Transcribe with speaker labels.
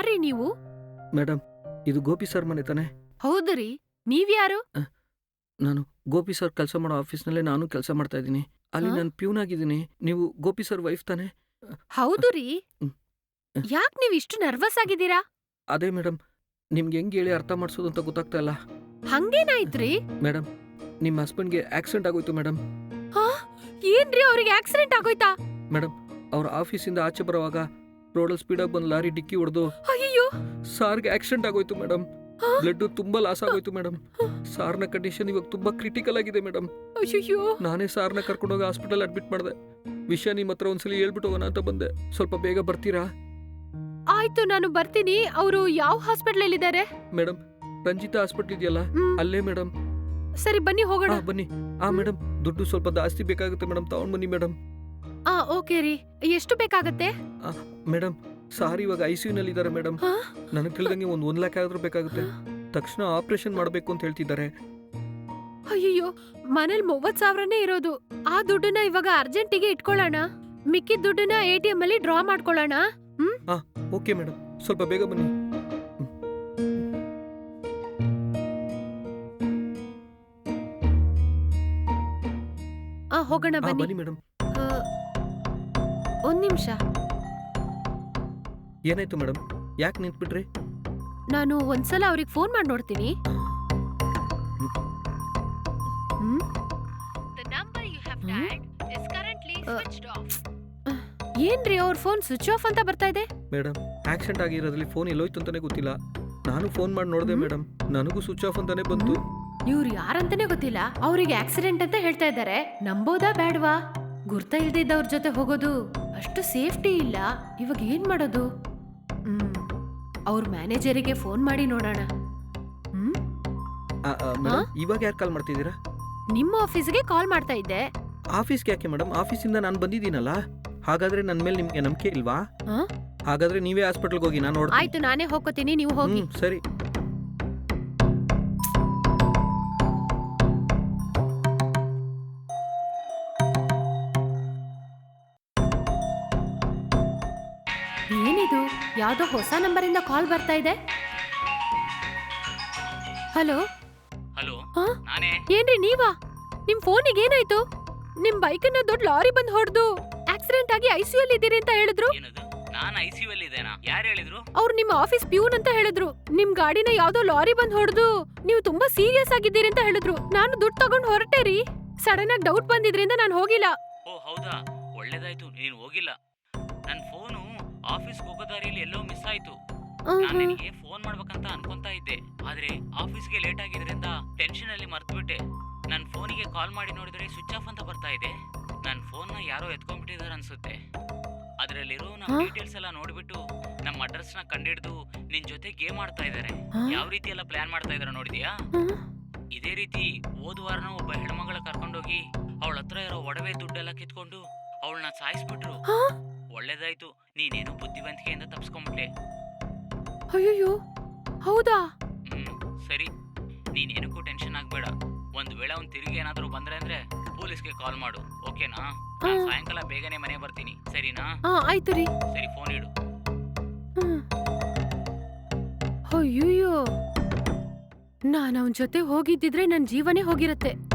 Speaker 1: ಯಾರ್ರೀ ನೀವು?
Speaker 2: ಮೇಡಮ್, ಇದು ಗೋಪಿ ಸರ್ ಮನೆ ತಾನೆ?
Speaker 1: ಹೌದ್ರಿ, ನೀವ್ಯಾರು?
Speaker 2: ನಾನು ಗೋಪಿ ಸರ್ ಕೆಲಸ ಮಾಡೋ ಆಫೀಸ್ನಲ್ಲೇ ನಾನು ಕೆಲಸ ಮಾಡ್ತಾ ಇದ್ದೀನಿ. ಅಲ್ಲಿ
Speaker 1: ಆ?
Speaker 2: ನಾನು ಪ್ಯೂನ್ ಆಗಿದ್ದೀನಿ. ನೀವು ಗೋಪಿ ಸರ್ ವೈಫ್ ತಾನೆ?
Speaker 1: ಹೌದು ರೀ.
Speaker 2: ಹ್ಮ್.
Speaker 1: ಯಾಕ್ ನೀವ್ ಇಷ್ಟು ನರ್ವಸ್ ಆಗಿದ್ದೀರಾ?
Speaker 2: ಅದೇ ಮೇಡಮ್, ನಿಮ್ಗೆ ಹೆಂಗೆ ಹೇಳಿ ಅರ್ಥ ಮಾಡಿಸೋದು ಅಂತ ಗೊತ್ತಾಗ್ತಾ ಇಲ್ಲ.
Speaker 1: ಹಂಗೇನಾಯ್ತ್ರಿ?
Speaker 2: ಮೇಡಮ್, ನಿಮ್ಮ ಹಸ್ಬೆಂಡ್ಗೆ ಆಕ್ಸಿಡೆಂಟ್ ಆಗೋಯ್ತು ಮೇಡಮ್.
Speaker 1: ಹಾ? ಏನ್ರಿ ಅವ್ರಿಗೆ ಆಕ್ಸಿಡೆಂಟ್ ಆಗೋಯ್ತಾ?
Speaker 2: ಮೇಡಮ್, ಅವ್ರ ಆಫೀಸಿಂದ ಆಚೆ ಬರುವಾಗ ರೋಡಲ್ಲಿ ಸ್ಪೀಡಾಗಿ ಬಂದು ಲಾರಿ ಡಿಕ್ಕಿ ಹೊಡೆದು
Speaker 1: ಅಯ್ಯೋ.
Speaker 2: ಸಾರ್ಗೆ ಆಕ್ಸಿಡೆಂಟ್ ಆಗೋಯ್ತು ಮೇಡಮ್. ಬ್ಲಡ್ ತುಂಬಾ ಲಾಸ್ ಆಗೋಯ್ತು ಮೇಡಮ್. ಸಾರ್ನ ಕಂಡೀಷನ್ ಇವಾಗ ತುಂಬಾ ಕ್ರಿಟಿಕಲ್ ಆಗಿದೆ ಮೇಡಮ್.
Speaker 1: ಅಯ್ಯೋ.
Speaker 2: ನಾನೇ ಸಾರ್ನ ಕರ್ಕೊಂಡೋಗಿ ಹಾಸ್ಪಿಟಲ್ ಅಡ್ಮಿಟ್ ಮಾಡಿದೆ. ವಿಷಯ ನಿಮ್ಮ ಹತ್ರ ಒಂದ್ಸಲಿ ಹೇಳ್ಬಿಟ್ಟು ಹೋಗೋಣ ಅಂತ ಬಂದೆ. ಸ್ವಲ್ಪ ಬೇಗ ಬರ್ತೀರಾ?
Speaker 1: ಆಯ್ತು, ನಾನು ಬರ್ತೀನಿ. ಅವರು ಯಾವ ಹಾಸ್ಪಿಟಲ್ ಅಲ್ಲಿ ಇದ್ದಾರೆ?
Speaker 2: ಮೇಡಮ್, ರಂಜಿತಾ ಹಾಸ್ಪಿಟಲ್ ಇದೆಯಲ್ಲ, ಅಲ್ಲೇ ಮೇಡಮ್.
Speaker 1: ಸರಿ, ಬನ್ನಿ ಹೋಗೋಣ.
Speaker 2: ಬನ್ನಿ. ಮೇಡಮ್, ದುಡ್ಡು ಸ್ವಲ್ಪ ಜಾಸ್ತಿ ಬೇಕಾಗುತ್ತೆ ಮೇಡಮ್, ತಗೊಂಡ್ ಬನ್ನಿ ಮೇಡಮ್.
Speaker 1: ಓಕೆ ರೀ. ಎಷ್ಟು ಬೇಕಾಗತ್ತೆ?
Speaker 2: ಮೇಡಮ್, ಸಾರ್ ಇವಾಗ ICU ನಲ್ಲಿ ಇದ್ದಾರೆ ಮೇಡಮ್. ನನಗೆ ತಿಳಿದಂಗೆ 1 ಲಕ್ಷ ಆದ್ರೂ ಬೇಕಾಗುತ್ತೆ. ತಕ್ಷಣ ಆಪರೇಷನ್ ಮಾಡಬೇಕು ಅಂತ ಹೇಳ್ತಿದ್ದಾರೆ.
Speaker 1: ಅಯ್ಯೋ, ಮನೇಲಿ 30,000ನೇ ಇರೋದು. ಆ ದುಡ್ಡನ್ನ ಇವಾಗ ಅರ್ಜೆಂಟಿಗೆ ಇಟ್ಕೊಳ್ಳೋಣ. ಮಿಕ್ಕಿದ ದುಡ್ಡನ್ನ ATM ಅಲ್ಲಿ ಡ್ರಾ ಮಾಡ್ಕೊಳ್ಳೋಣ.
Speaker 2: ಓಕೆ ಮೇಡಮ್, ಸ್ವಲ್ಪ ಬೇಗ ಬನ್ನಿ.
Speaker 1: ಹೋಗೋಣ, ಬನ್ನಿ.
Speaker 2: ಬನ್ನಿ ಮೇಡಮ್.
Speaker 1: ಒಂದ್ ನಿಮಿಷ.
Speaker 2: ಏನಾಯ್ತು ಮೇಡಮ್? ಯಾಕೆ ನಿಂತ್ಬಿಟ್ರಿ?
Speaker 1: ನಾನು ಒಂದ್ಸಲ ಅವ್ರಿಗೆ ಫೋನ್ ಮಾಡಿ ನೋಡ್ತೀನಿ. ಏನ್ರಿ, ಅವ್ರ ಫೋನ್ ಸ್ವಿಚ್ ಆಫ್ ಅಂತ ಬರ್ತಾ ಇದೆ?
Speaker 2: ಮೇಡಮ್, ಆಕ್ಸಿಡೆಂಟ್ ಆಗಿರೋದ್ರಲ್ಲಿ ಫೋನ್ ಎಲ್ಲೋಯ್ತು ಅಂತಾನೆ ಗೊತ್ತಿಲ್ಲ. ನಾನು ಫೋನ್ ಮಾಡಿ ನೋಡಿದೆ ಮೇಡಮ್, ನನಗೂ ಸ್ವಿಚ್ ಆಫ್ ಅಂತಾನೆ ಬಂತು.
Speaker 1: ಇವ್ರು ಯಾರಂತಾನೆ ಗೊತ್ತಿಲ್ಲ, ಅವ್ರಿಗೆ ಆಕ್ಸಿಡೆಂಟ್ ಅಂತ ಹೇಳ್ತಾ ಇದ್ದಾರೆ. ನಂಬೋದಾ ಬೇಡವಾ? ಗುರ್ತ ಇಲ್ದಿದ್ದವ್ರ ಜೊತೆ ಹೋಗೋದು ಅಷ್ಟು ಸೇಫ್ಟಿ ಇಲ್ಲ. ಇವಾಗ ಏನ್ ಮಾಡೋದು? ಅವ್ರ ಮ್ಯಾನೇಜರಿಗೆ ಫೋನ್ ಮಾಡಿ ನೋಡೋಣ.
Speaker 2: ಮೇಡಮ್, ಇವಾಗ ಯಾರು ಕಾಲ್ ಮಾಡ್ತಿದ್ದೀರಾ?
Speaker 1: ನಿಮ್ಮ ಆಫೀಸ್ಗೆ ಕಾಲ್ ಮಾಡ್ತಾ ಇದ್ದೆ.
Speaker 2: ಆಫೀಸ್ಗೆ ಯಾಕೆ ಮೇಡಮ್? ಆಫೀಸಿಂದ ನಾನು ಬಂದಿದ್ದೀನಲ್ಲ. ಹಾಗಾದ್ರೆ ನನ್ನ ಮೇಲೆ ನಿಮ್ಗೆ ನಂಬಿಕೆ ಇಲ್ವಾ? ಹಾಗಾದ್ರೆ ನೀವೇ ಹಾಸ್ಪಿಟಲ್ಗೆ ಹೋಗಿ, ನಾನು ನೋಡ್ತೀನಿ.
Speaker 1: ಆಯ್ತು, ನಾನೇ ಹೋಗ್ಕೋತೀನಿ, ನೀವು ಹೋಗಿ.
Speaker 2: ಸರಿ.
Speaker 1: ಏನಿದು? ಯಾವ್ದೋ ಹೊಸ ನಂಬರಿಂದ ಕಾಲ್ ಬರ್ತಾ ಇದೆ. ಹಲೋ.
Speaker 3: ಹಲೋ,
Speaker 1: ಹಾ?
Speaker 3: ನಾನೇ.
Speaker 1: ಏನ್ರಿ ನೀವಾ? ನಿಮ್ ಫೋನಿಗೆ ಏನಾಯ್ತು? ನಿಮ್ ಬೈಕನ್ನ ದೊಡ್ಡ ಲಾರಿ ಬಂದ್ ಹೊಡೆದು ಆಕ್ಸಿಡೆಂಟ್ ಆಗಿ ICU ಅಲ್ಲಿ ಇದ್ದೀರಿ ಅಂತ ಹೇಳಿದ್ರು.
Speaker 3: ಏನದು? ನಾನು ICU ಅಲ್ಲಿ ಇದ್ದೇನಾ? ಯಾರು ಹೇಳಿದ್ರು?
Speaker 1: ಅವ್ರು ನಿಮ್ಮ ಆಫೀಸ್ ಪ್ಯೂನ್ ಅಂತ ಹೇಳಿದ್ರು. ನಿಮ್ ಗಾಡಿನ ಯಾವ್ದೋ ಲಾರಿ ಬಂದ್ ಹೊಡೆದು ನೀವು ತುಂಬಾ ಸೀರಿಯಸ್ ಆಗಿದ್ದೀರಿ ಅಂತ ಹೇಳಿದ್ರು. ನಾನು ದುಡ್ಡು ತಗೊಂಡ್ ಹೊರಟೆ ರೀ. ಸಡನ್ ಆಗಿ ಡೌಟ್ ಬಂದಿದ್ರಿಂದ ನಾನು ಹೋಗಿಲ್ಲ.
Speaker 3: ಓ ಹೌದಾ, ಒಳ್ಳೇದಾಯ್ತು ನೀನು ಹೋಗಿಲ್ಲ. ನನ್ನ ಫೋನು ಆಫೀಸ್ಗೆ ಹೋಗೋ ದಾರಿಯಲ್ಲಿ ಎಲ್ಲೋ ಮಿಸ್ ಆಯ್ತು. ನಾನು ನಿನಗೆ ಫೋನ್ ಮಾಡ್ಬೇಕಂತ ಅನ್ಕೊಂತಾ ಇದ್ದೆ, ಆದ್ರೆ ಆಫೀಸ್ಗೆ ಲೇಟ್ ಆಗಿದ್ರಿಂದ ಟೆನ್ಷನ್ ಅಲ್ಲಿ ಮರ್ತ್ಬಿಟ್ಟೆ. ನನ್ನ ಫೋನಿಗೆ ಕಾಲ್ ಮಾಡಿ ನೋಡಿದ್ರೆ ಸ್ವಿಚ್ ಆಫ್ ಅಂತ ಬರ್ತಾ ಇದೆ. ನನ್ನ ಫೋನ್ನ ಯಾರೋ ಎತ್ಕೊಂಡ್ಬಿಟ್ಟಿದಾರೆ ಅನ್ಸುತ್ತೆ. ಅದರಲ್ಲಿರೋ ನಮ್ಮ ಡೀಟೇಲ್ಸ್ ಎಲ್ಲ ನೋಡ್ಬಿಟ್ಟು ನಮ್ಮ ಅಡ್ರೆಸ್ ನ ಕಂಡಿಡ್ದು ನಿನ್ ಜೊತೆ ಗೇಮ್ ಆಡ್ತಾ ಇದಾರೆ. ಯಾವ ರೀತಿ ಎಲ್ಲ ಪ್ಲಾನ್ ಮಾಡ್ತಾ ಇದಾರೆ ನೋಡಿದ್ಯಾ? ಇದೇ ರೀತಿ ಹೋದ ವಾರನ ಒಬ್ಬ ಹೆಣ್ಮಗಳ ಕರ್ಕೊಂಡೋಗಿ ಅವಳ ಹತ್ರ ಇರೋ ಒಡವೆ ದುಡ್ಡೆಲ್ಲ ಕಿತ್ಕೊಂಡು ಅವಳನ್ನ ಸಾಯಿಸ್ಬಿಟ್ರು. ಒಳ್ಳೇದಾಯ್ತು, ನೀನೇನು ಬುದ್ಧಿವಂತಿಕೆಯಿಂದ ತಪ್ಸ್ಕೊಂಡ್ಬಿಟ್ಟೆ.
Speaker 1: ಅಯ್ಯೋ, ಹೌದಾ?
Speaker 3: ಸರಿ, ನೀನೇನಕ್ಕೂ ಟೆನ್ಷನ್ ಆಗ್ಬೇಡ. ಒಂದ್ ವೇಳೆ ಅವ್ನು ತಿರುಗಿ ಏನಾದ್ರೂ ಬಂದ್ರೆ ಅಂದ್ರೆ ಪೊಲೀಸ್ಗೆ ಕಾಲ್ ಮಾಡು, ಓಕೆನಾ? ಸಾಯಂಕಾಲ ಬೇಗನೆ ಮನೆ ಬರ್ತೀನಿ, ಸರಿನಾ?
Speaker 1: ಆಯ್ತು ರೀ.
Speaker 3: ಸರಿ, ಫೋನ್ ಇಡು.
Speaker 1: ಅಯ್ಯೋ, ನಾನು ಅವನ ಜೊತೆ ಹೋಗಿದ್ದಿದ್ರೆ ನನ್ನ ಜೀವನೇ ಹೋಗಿರತ್ತೆ.